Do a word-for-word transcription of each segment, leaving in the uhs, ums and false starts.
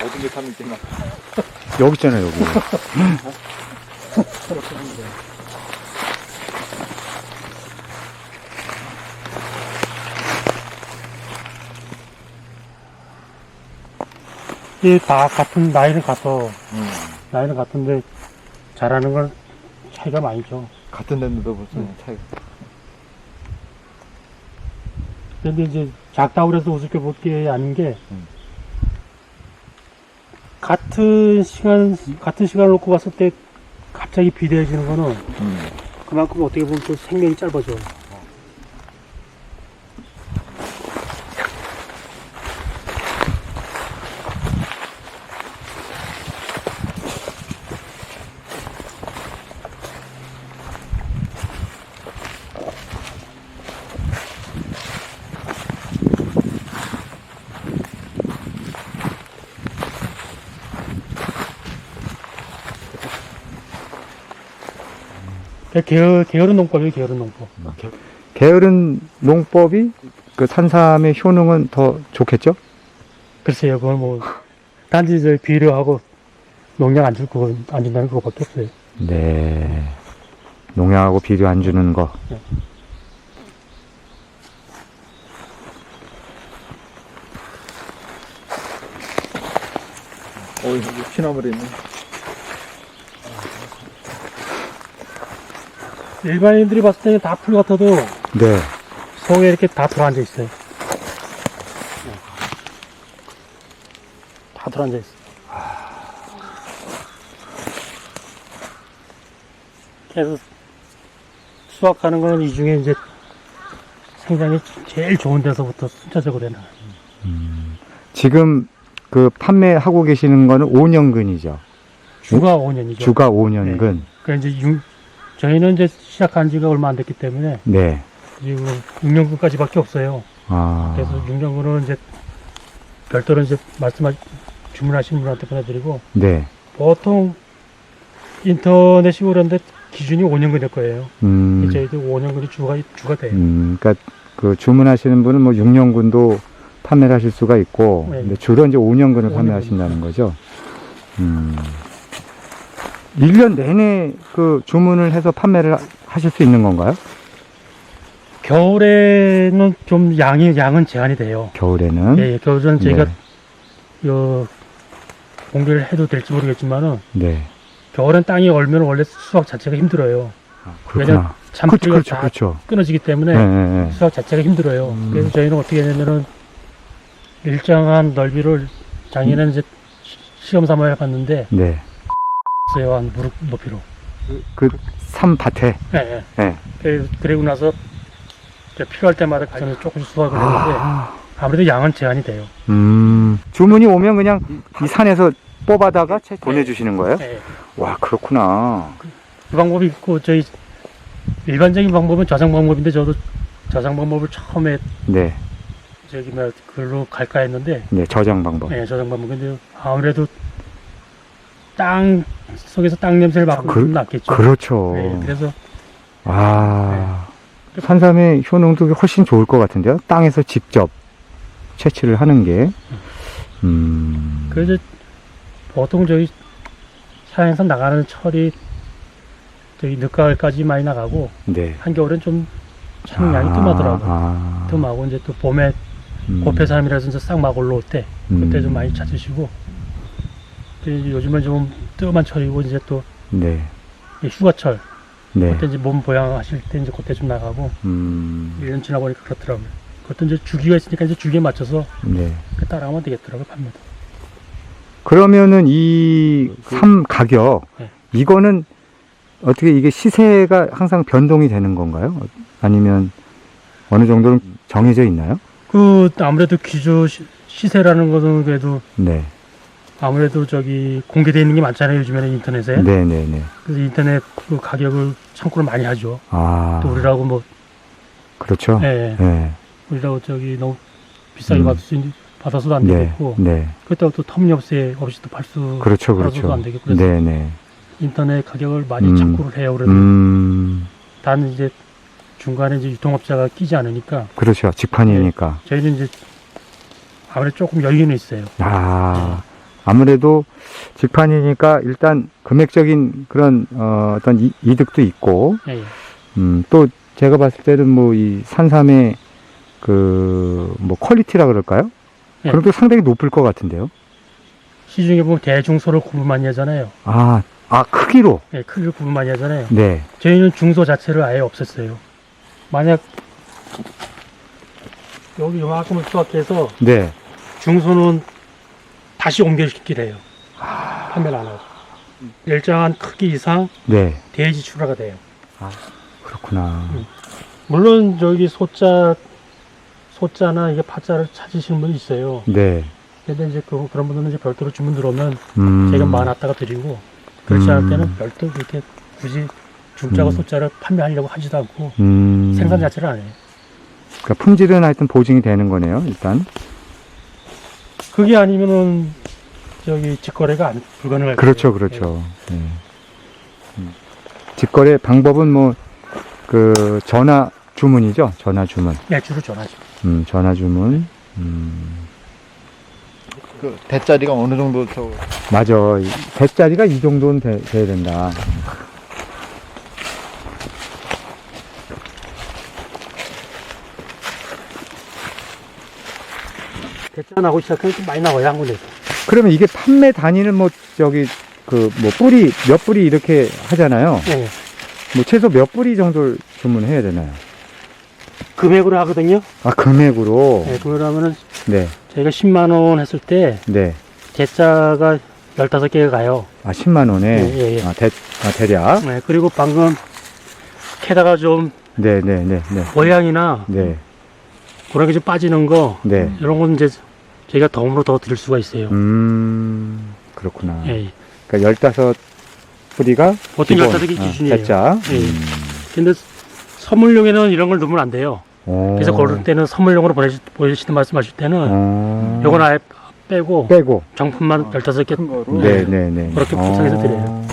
모든 게 삼 일째나. 여기 있잖아요, 여기. 이게 다 같은 나이는 같어. 음. 나이는 같은데 잘하는 건 차이가 많이 죠. 같은 데인데도 벌써 음. 차이가. 근데 이제 작다고 그래서 우습게 볼 게 아닌 게 음. 같은 시간 같은 시간을 놓고 봤을 때 갑자기 비대해지는 거는 음. 그만큼 어떻게 보면 또 생명이 짧아져. 게으, 게으른 농법이에요, 게으른 농법. 게으른 농법이 그 산삼의 효능은 더 좋겠죠? 글쎄요, 그건 뭐, 단지 저 비료하고 농약 안 줄 거, 안 준다는 그거밖에 없어요. 네. 농약하고 비료 안 주는 거. 네. 어, 여기 피나물이 있네. 일반인들이 봤을 때는 다 풀 같아도 네. 속에 이렇게 다 들어앉아 있어요. 다 들어앉아 있어요. 그래서 수확하는 거는 이 중에 이제 생장이 제일 좋은 데서부터 순차적으로 해놔요. 지금 그 판매하고 계시는 거는 오 년근이죠. 주가 오 년이죠. 주가 오 년근. 그러니까 이제 육, 저희는 이제 시작한 지가 얼마 안 됐기 때문에 네. 지금 육 년근까지밖에 없어요. 아. 그래서 육 년근은 이제 별도로 이제 말씀하 주문하신 분한테 보내드리고 네. 보통 인터넷이 그런데 기준이 오 년근일 거예요. 음. 저희도 오 년근이 주가 주가 돼요. 음, 그러니까 그 주문하시는 분은 뭐 육 년근도 판매를 하실 수가 있고, 네. 근데 주로 이제 오 년근을 오 년근. 판매하신다는 거죠. 음. 일 년 내내 그 주문을 해서 판매를 하- 하실 수 있는 건가요? 겨울에는 좀 양이 양은 제한이 돼요. 겨울에는? 예, 예, 겨울에는 저희가 네. 요 공개를 해도 될지 모르겠지만은 네. 겨울엔 땅이 얼면 원래 수확 자체가 힘들어요. 아, 왜냐면 그렇구나. 참기가 그렇죠, 다 그렇죠. 끊어지기 때문에 네, 네, 네. 수확 자체가 힘들어요. 음. 그래서 저희는 어떻게 하냐면은 일정한 넓이를 작년에는 이제 시- 시험 삼아 해봤는데 네. 있어요. 한 무릎 높이로. 그 삼밭에. 예, 예. 네. 그래- 그리고 나서 이제 필요할 때마다 가서 조금씩 수확을 했는데 아, 아무래도 양은 제한이 돼요. 음. 주문이 오면 그냥 이 산에서 뽑아다가 채- 보내주시는 거예요? 예, 예. 와, 그렇구나. 그 방법이 있고 저희 일반적인 방법은 저장 방법인데 저도 저장 방법을 처음에 네. 저기 뭐 그걸로 갈까 했는데 네, 저장 방법. 예, 저장 방법. 근데 아무래도 땅 속에서 땅 냄새를 맡고 그- 좀 낫겠죠. 그렇죠. 예, 그래서 아, 산삼의 효능도 훨씬 좋을 것 같은데요? 땅에서 직접 채취를 하는 게. 음. 그래서 보통 저희 산에서 나가는 철이 저희 늦가을까지 많이 나가고 네. 한겨울엔 좀產양이 아, 뜸하더라고요. 아. 뜸하고 이제 또 봄에 음. 고폐사람이라서 이제 싹 막 올라올 때 그때 음. 좀 많이 찾으시고 이제 요즘은 좀 뜸한 철이고 이제 또 네. 이 휴가철 네. 그때 이제 몸 보양하실 때 이제 그때 좀 나가고 음. 일 년 지나 보니까 그렇더라고요. 그것도 이제 주기가 있으니까 이제 주기에 맞춰서 네. 그 따라가면 되겠더라고요, 판매도. 그러면은 이 삼 가격, 네. 이거는 어떻게 이게 시세가 항상 변동이 되는 건가요? 아니면 어느 정도는 정해져 있나요? 그 아무래도 기조 시- 시세라는 것은 그래도 네. 아무래도 저기 공개되어 있는 게 많잖아요, 요즘에는 인터넷에. 네네네. 그래서 인터넷 그 가격을 참고를 많이 하죠. 아. 또 우리라고 뭐, 그렇죠. 예, 네. 우리라고 저기 너무 비싸게 음. 받을 수 있는, 받아서도 안 네. 되겠고, 네. 그렇다고 또 터무니없이 없이 또 팔수, 그렇죠. 팔아서도 그렇죠. 안 되고, 그래서 네네. 인터넷 가격을 많이 음. 참고를 해요. 그래도 음. 단 이제 중간에 이제 유통업자가 끼지 않으니까, 그렇죠. 직판이니까. 저희는 이제 아무래도 조금 여유는 있어요. 아. 아무래도 직판이니까 일단 금액적인 그런 어, 어떤 이, 이득도 있고, 예, 예. 음, 또 제가 봤을 때는 뭐 이 산삼의 그 뭐 퀄리티라 그럴까요? 예. 그럼 또 상당히 높을 것 같은데요. 시중에 보면 대중소를 구분 많이 하잖아요. 아, 아 크기로. 예, 크기를 구분 많이 하잖아요. 네, 저희는 중소 자체를 아예 없앴어요. 만약 여기 요만큼을 수확해서 네. 중소는 다시 옮겨시키게 해요. 판매를 안 하고. 일정한 크기 이상 네. 대지 출하가 돼요. 그렇구나. 음. 물론 저기 소자, 소자나 이게 파자를 찾으시는 분이 있어요. 네. 근데 이제 그, 그런 분들은 이제 별도로 주문 들어오면 음. 제가 많았다가 드리고, 그렇지 않을 음. 때는 별도 그렇게 굳이 중자와 음. 소자를 판매하려고 하지도 않고 음. 생산 자체를 안 해요. 그러니까 품질은 하여튼 보증이 되는 거네요, 일단. 그게 아니면은 저기 직거래가 안, 불가능할 그렇죠, 거예요. 그렇죠. 네. 음. 직거래 방법은 뭐, 그, 전화 주문이죠? 전화 주문. 네, 주로 전하죠. 음, 전화 주문. 음, 그 대짜리가 어느 정도 저 맞아. 이 대짜리가 이 정도는 돼, 돼야 된다. 대짜 나고 시작하면 좀 많이 나와요, 한 군데서. 그러면 이게 판매 단위는 뭐, 저기, 그, 뭐, 뿌리, 몇 뿌리 이렇게 하잖아요. 네. 뭐, 최소 몇 뿌리 정도를 주문해야 되나요? 금액으로 하거든요. 아, 금액으로? 네, 금액으로 하면은 네, 저희가 십만 원 했을 때 네. 대짜가 열다섯 개가 가요. 아, 십만 원에? 예, 예, 예. 아, 대, 아, 대략? 네, 그리고 방금 캐다가 좀 네, 네, 네, 네. 모양이나 네, 그런 게 좀 빠지는 거, 네. 이런 건 이제 저희가 덤으로 더 드릴 수가 있어요. 음, 그렇구나. 예, 예. 그러니까 열다섯 뿌리가 보통 기본, 열다섯 개 어, 기준이에요. 대짜. 예, 예. 음. 근데 선물용에는 이런 걸 넣으면 안 돼요. 오. 그래서 고를 때는 선물용으로 보내시, 보내시는 말씀하실 때는 어. 요건 아예 빼고 빼고. 정품만 열다섯 개 큰 거로 네, 네, 네. 그렇게 어. 포장해서 드려요.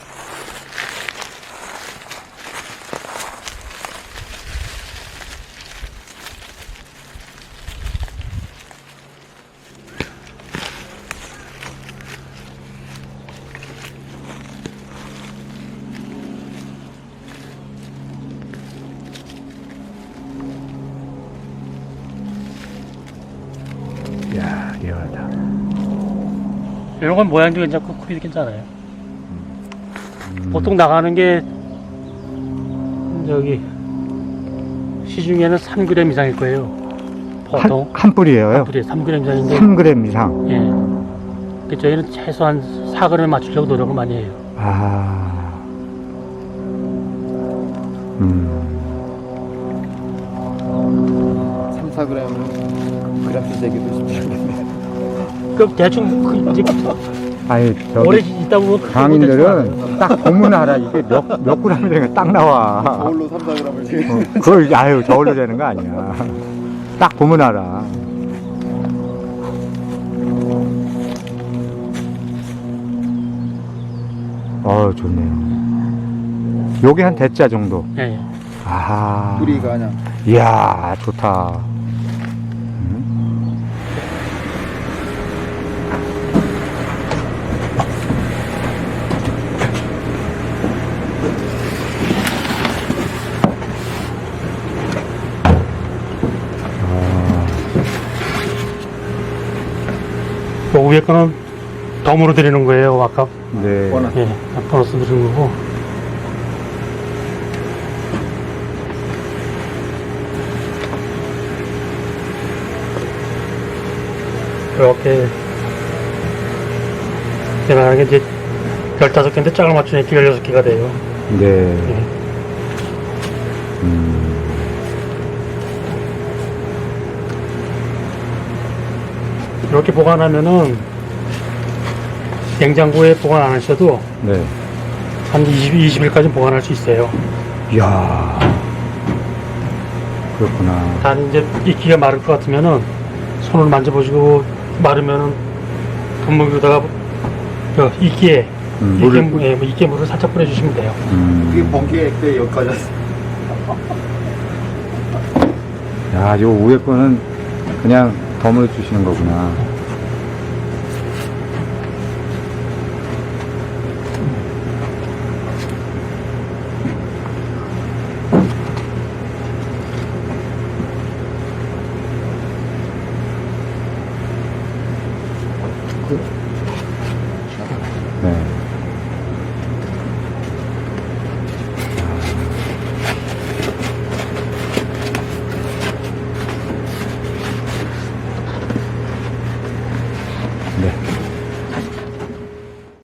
이야, 리얼하다. 이런 건 모양도 괜찮고 크기도 괜찮아요. 음. 보통 나가는 게 여기 시중에는 삼 그램 이상일 거예요. 보통 한, 한 뿌리예요? 뿌리에 삼 그램 이상인데, 삼 그램 이상. 예. 그 저희는 최소한 사 그램에 맞추려고 노력을 많이 해요. 아. 음. 삼, 사 그램은 그램수 재기도 쉽지않겠네. 그 대충 그 이제 아니, 오래 저기 있다 보면 크고 대충 강인들은 딱 보면 알아. 이게 몇, 몇 그램이 되는 딱 나와. 저울로 삼, 사 그램을 재기. 어, 그걸, 아유, 저울로 되는 거 아니야. 딱 보면 알아. 어, 좋네요. 요게 한 대짜 정도. 예, 예. 아하. 뿌리가 그냥 이야, 좋다. 그 위에 거는 덤으로 드리는 거예요, 아까. 네. 워낙 예, 보너스 드리는 거고. 이렇게 대단한 게 이제 열다섯 개인데 짝을 맞추니까 열여섯 개가 돼요. 네. 예. 음. 이렇게 보관하면은 냉장고에 보관 안 하셔도 네. 한 이십, 이십 일까지 보관할 수 있어요. 이야. 그렇구나. 단 이제 이끼가 마를 것 같으면은 손을 만져보시고 마르면은 분무기에다가 그 이끼에 음, 이끼, 물을, 예, 이끼에 물을 살짝 뿌려주시면 돼요. 음. 그게 번개에 때 여기까지 왔어. 야, 요 위에 거는 그냥 덤으로 주시는 거구나.